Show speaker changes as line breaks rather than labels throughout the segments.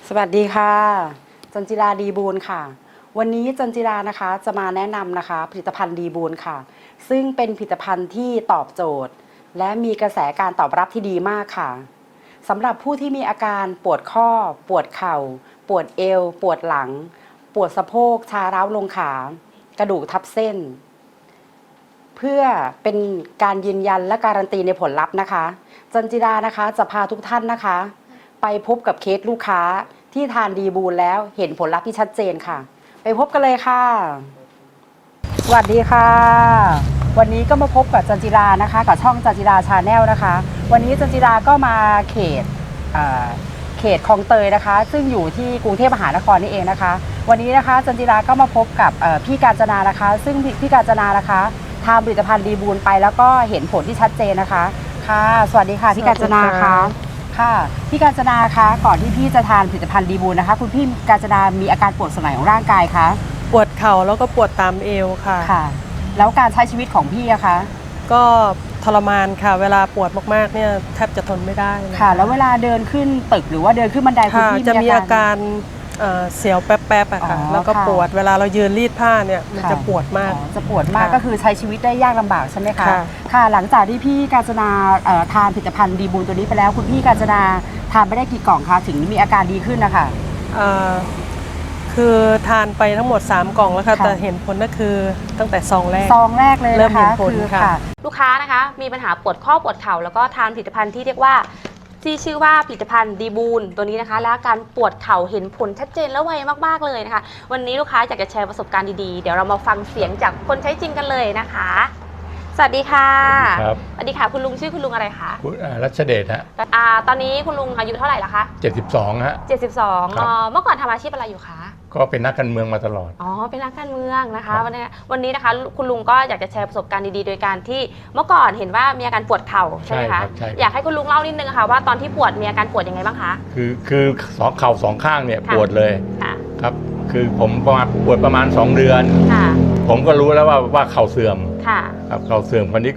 สวัสดีค่ะจันจิราดีบูลค่ะวันนี้จันจิรานะคะจะมาแนะนำนะคะผลิตภัณฑ์ดีบูลค่ะซึ่งเป็นผลิตภัณฑ์ที่ตอบโจทย์และมีกระแสการตอบรับที่ดีมากค่ะสำหรับผู้ที่มีอาการปวดข้อปวดเข่าปวดเอวปวดหลังปวดสะโพกชาร้าวลงขากระดูกทับเส้นเพื่อเป็นการยืนยันและการันตีในผลลัพธ์นะคะจันจิรานะคะจะพาทุกท่านนะคะไปพบกับเคสลูกค้าที่ทานดีบูลแล้วเห็นผลลัพธ์ที่ชัดเจนค่ะไปพบกันเลยค่ะสวัสดีค่ะวันนี้ก็มาพบกับจันจิรานะคะกับช่องจันจิราชาแนลนะคะวันนี้จันจิราก็มาเขตคลองเตยนะคะซึ่งอยู่ที่กรุงเทพมหานครนี่เองนะคะวันนี้นะคะจันจิราก็มาพบกับพี่กาญจนานะคะซึ่งพี่กาญจนานะคะทำผลิตภัณฑ์ดีบูลไปแล้วก็เห็นผลที่ชัดเจนนะคะค่ะสวัสดีค่ะพี่กาญจนาค่ะค่ะพี่กาญจนาคะก่อนที่พี่จะทานผลิตภัณฑ์ดีบูลนะคะคุณพี่กาญจนามีอาการปวดส่วนไหนของร่างกายคะ
ปวดเข่าแล้วก็ปวดตามเอวค่ะ
ค่ะแล้วการใช้ชีวิตของพี่อะคะ
ก็ทรมานค่ะเวลาปวดมากๆเนี่ยแทบจะทนไม่ได้
ค่ะแล้วเวลาเดินขึ้นตึกหรือว่าเดินขึ้นบันไดคุณพี่
จะมีอาการเสียวแป๊บๆอะค่ะแล้วก็ปวดเวลาเรายืนรีดผ้าเนี่ยมันจะปวดมาก
จะปวดมากก็คือใช้ชีวิตได้ยากลำบากใช่ไหมคะค่ะหลังจากที่พี่กาญจนาทานผลิตภัณฑ์ดีบูลตัวนี้ไปแล้วคุณพี่กาญจนาทานไปได้กี่กล่องคะถึงมีอาการดีขึ้นนะคะ
คือทานไปทั้งหมด3กล่องแล้วค่ะแต่เห็นผลก็คือตั้งแต่ซองแรก
เลย
เริ่มเห็นผลค่ะ
ลูกค้านะคะมีปัญหาปวดข้อปวดเข่าแล้วก็ทานผลิตภัณฑ์ที่เรียกว่าที่ชื่อว่าผลิตภัณฑ์ดีบูลตัวนี้นะคะและการปวดเข่าเห็นผลชัดเจนและไวมากๆเลยนะคะวันนี้ลูกค้าอยากจะแชร์ประสบการณ์ดีๆเดี๋ยวเรามาฟังเสียงจากคนใช้จริงกันเลยนะคะสวัสดีค่ะ
ครับ
สวัสดีค่ะคุณลุงชื่อคุณลุงอะไรคะ
คุณรัชเดชฮะ
ตอนนี้คุณลุงอายุเท่าไหร่ละคะ
72ฮะ
72เมื่อก่อนทำอาชีพอะไรอยู่คะ
ก็เป็นนักการเมืองมาตลอด
เป็นนักการเมืองนะคะวันนี้นะคะคุณลุงก็อยากจะแชร์ประสบการณ์ดีๆโดยการที่เมื่อก่อนเห็นว่ามีอาการปวดเข่าใช่ไหมคะอยากให้คุณลุงเล่านิดนึงค่ะว่าตอนที่ปวดมีอาการปวดยังไงบ้างคะ
คือเข่าสองข้างเนี่ยปวดเลยครับคือผมปวดประมาณ2 เดือนผมก็รู้แล้วว่าเข่าเสื่อมครับเข่าเสื่อมคนนี้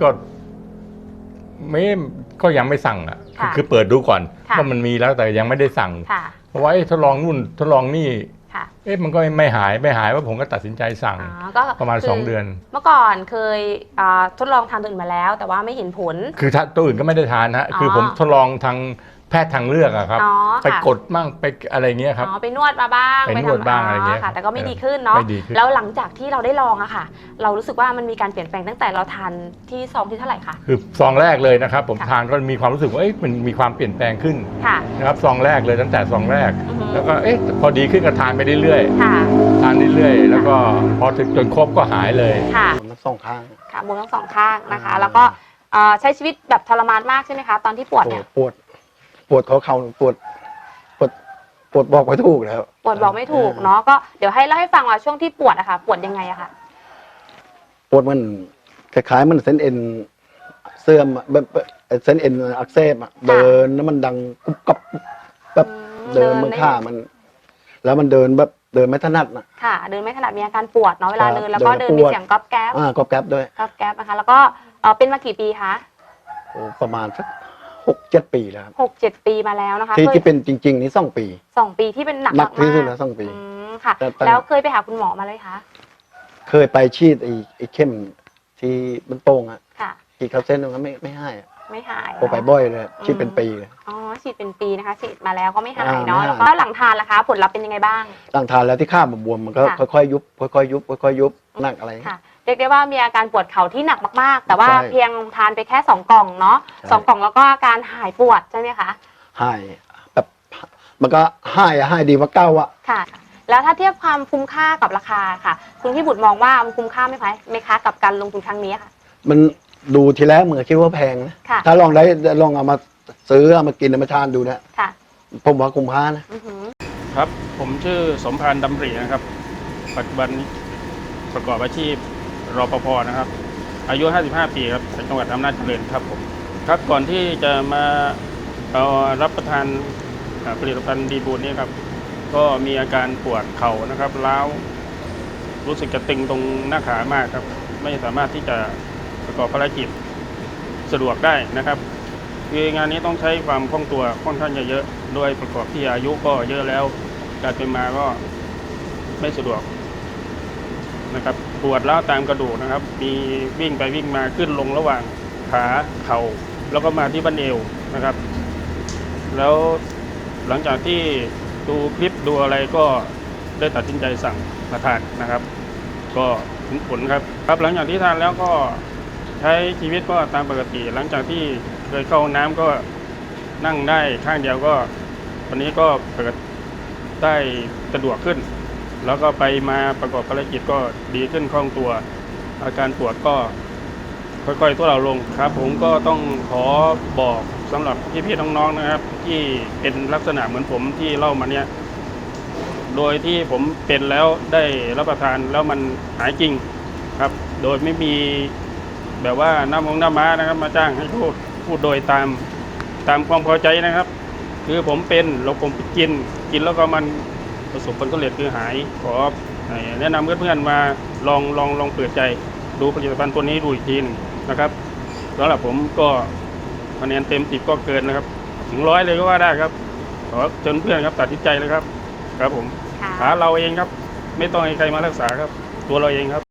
ก็ยังไม่สั่งอ่ะคือเปิดดูก่อนว่ามันมีแล้วแต่ยังไม่ได้สั่งเพราะว่าทดลองนู่นทดลองนี่มันก็ไม่หายว่าผมก็ตัดสินใจสั่งประมาณ2 เดือน
เมื่อก่อนเคยทดลองทานตัวอื่นมาแล้วแต่ว่าไม่เห็นผล
คือตัวอื่นก็ไม่ได้ทานฮะคือผมทดลองทางแพทย์ทางเลือกอะครับไปกดมั่งไปอะไรเงี้ยครับ
ไปนวดมาบ้าง
ไปนวดบ้างอะไรเงี้ย
แต่ก็ไม่ดีขึ้นเนาะแล้วหลังจากที่เราได้ลองอะค่ะเรารู้สึกว่ามันมีการเปลี่ยนแปลงตั้งแต่เราทานที่ซองที่เท่าไหร่คะ
คือซองแรกเลยนะครับผมทานก็มีความรู้สึกว่ามันมีความเปลี่ยนแปลงขึ้นนะครับซองแรกเลยตั้งแต่ซองแรกแล้วก็พอดีขึ้นก็ทานไปเรื่อยๆทานเรื่อยๆแล้วก็พอถึงจนครบก็หายเลย
ทั้งสองข้าง
ค่ะบวมทั้งสองข้างนะคะแล้วก็ใช้ชีวิตแบบทรมานมากใช่ไหมคะตอนที่ปวดเนี่ย
ปวดเข่าปวดบอกไม่ถูกแล้ว
ปวดบอกไม่ถูกเนาะก็เดี๋ยวให้เล่าให้ฟังว่าช่วงที่ปวดอะค่ะปวดยังไงอะค่ะ
ปวดมันคล้ายๆมันเส้นเอ็นเสื่อมแบบเส้นเอ็นอักเสบอะเดินแล้วมันดังกุบกับแบบเดินมือข้ามันแล้วมันเดินแบบเดินไม่ถนัดนะ
ค่ะเดินไม่ถนัดมีอาการปวดเนาะเวลาเดินแล้วก็เดินมีเสียงก๊อบแก๊บ
ก๊อบแก๊บด้วย
ก๊อบแก๊บนะคะแล้วก็เป็นมากี่ปีคะ
ประมาณสัก6-7 ปีแล้ว
6-7 ปีมาแล้วนะคะ
ที่เป็นจริงๆนี่2 ปี
2 ปีที่เป็นหนัก
ที่สุดแล้ว2 ปี
ค่ะแล้วเคยไปหาคุณหมอมาเลยคะ
เคยไปฉีดไอ้เข้มที่มันโป่งอะฉีดเข้าเส้นมันไม่หาย
ไม่หาย
ไปบ่อยเลยฉีดเป็นปีเลย
ฉีดเป็นปีนะคะฉีดมาแล้วก็ไม่หายเนาะแล้วก็หลังทานล่ะคะผลลัพธ์เป็นยังไงบ้าง
หลังทานแล้วที่ข้าบวมมันก็ค่อยๆยุบค่อยๆยุบหนักอะไร
เรียกได้ว่ามีอาการปวดเข่าที่หนักมากๆแต่ว่าเพียงทานไปแค่2 กล่องเนาะ2 กล่องแล้วก็อาการหายปวดใช่ไหมคะ
หายแบบมันก็หายดีกว่าเก่าอะ
ค่ะแล้วถ้าเทียบความคุ้มค่ากับราคาค่ะคุณพี่บุตรมองว่ามันคุ้มค่าไหมคะกับการลงทุนครั้งนี้ค่ะ
มันดูทีแรกเหมือนคิดว่าแพงนะถ้าลองเอามาซื้อเอามากินเอามาทานดูนะผมว่าคุ้มค่า
นะครับผมชื่อสมพานดำรินะครับปัจจุบันประกอบอาชีพรปภนะครับอายุ55 ปีครับจังหวัดอำนาจเจริญครับผมครับก่อนที่จะมารับประทานผลิตภัณฑ์ดีบูลนี้ครับก็มีอาการปวดเข่านะครับร้าวรู้สึกจะตึงตรงหน้าขามากครับไม่สามารถที่จะประกอบภารกิจสะดวกได้นะครับคืองานนี้ต้องใช้ความคล่องตัวค่อนข้างจะเยอะโดยประกอบที่อายุก็เยอะแล้วการไปมาก็ไม่สะดวกนะครับปวดร้าวตามกระดูกนะครับ มีวิ่งไปวิ่งมาขึ้นลงระหว่างขาเข่าแล้วก็มาที่บั้นเอวนะครับ แล้วหลังจากที่ดูคลิปดูอะไรก็ได้ตัดสินใจสั่งมาทานนะครับ ก็เห็นผลครับหลังจากที่ทานแล้วก็ใช้ชีวิตก็ตามปกติ หลังจากที่เคยเข้าห้องน้ำก็นั่งได้ข้างเดียวก็วันนี้ก็เปิดได้สะดวกขึ้น แล้วก็ไปมาประกอบภารกิจก็ดีขึ้นคล่องตัว อาการปวดก็ค่อยๆทุเลาลงครับ ผมก็ต้องขอบอกสำหรับพี่ๆน้องๆนะครับ ที่เป็นลักษณะเหมือนผมที่เล่ามาเนี่ยโดยที่ผมเป็นแล้วได้รับประทานแล้วมันหายจริงครับ โดยไม่มีแบบว่าน้ำม้านะครับมาจ้างให้พูดโดยตามความพอใจนะครับ คือผมเป็นแล้วผมกินแล้วก็มันประสบผลสำเร็จคือหายขอแนะนำเพื่อนๆมาลองเปิดใจดูผลิตภัณฑ์ตัวนี้ดูอีกทีหนึงนะครับสำหรับผมก็คะแนนเต็ม10ก็เกินนะครับถึง100เลยก็ว่าได้ครับขอเชิญเพื่อนครับตัดสินใจเลยครับครับผม
ค่ะ
หาเราเองครับไม่ต้องให้ใครมารักษาครับตัวเราเองครับ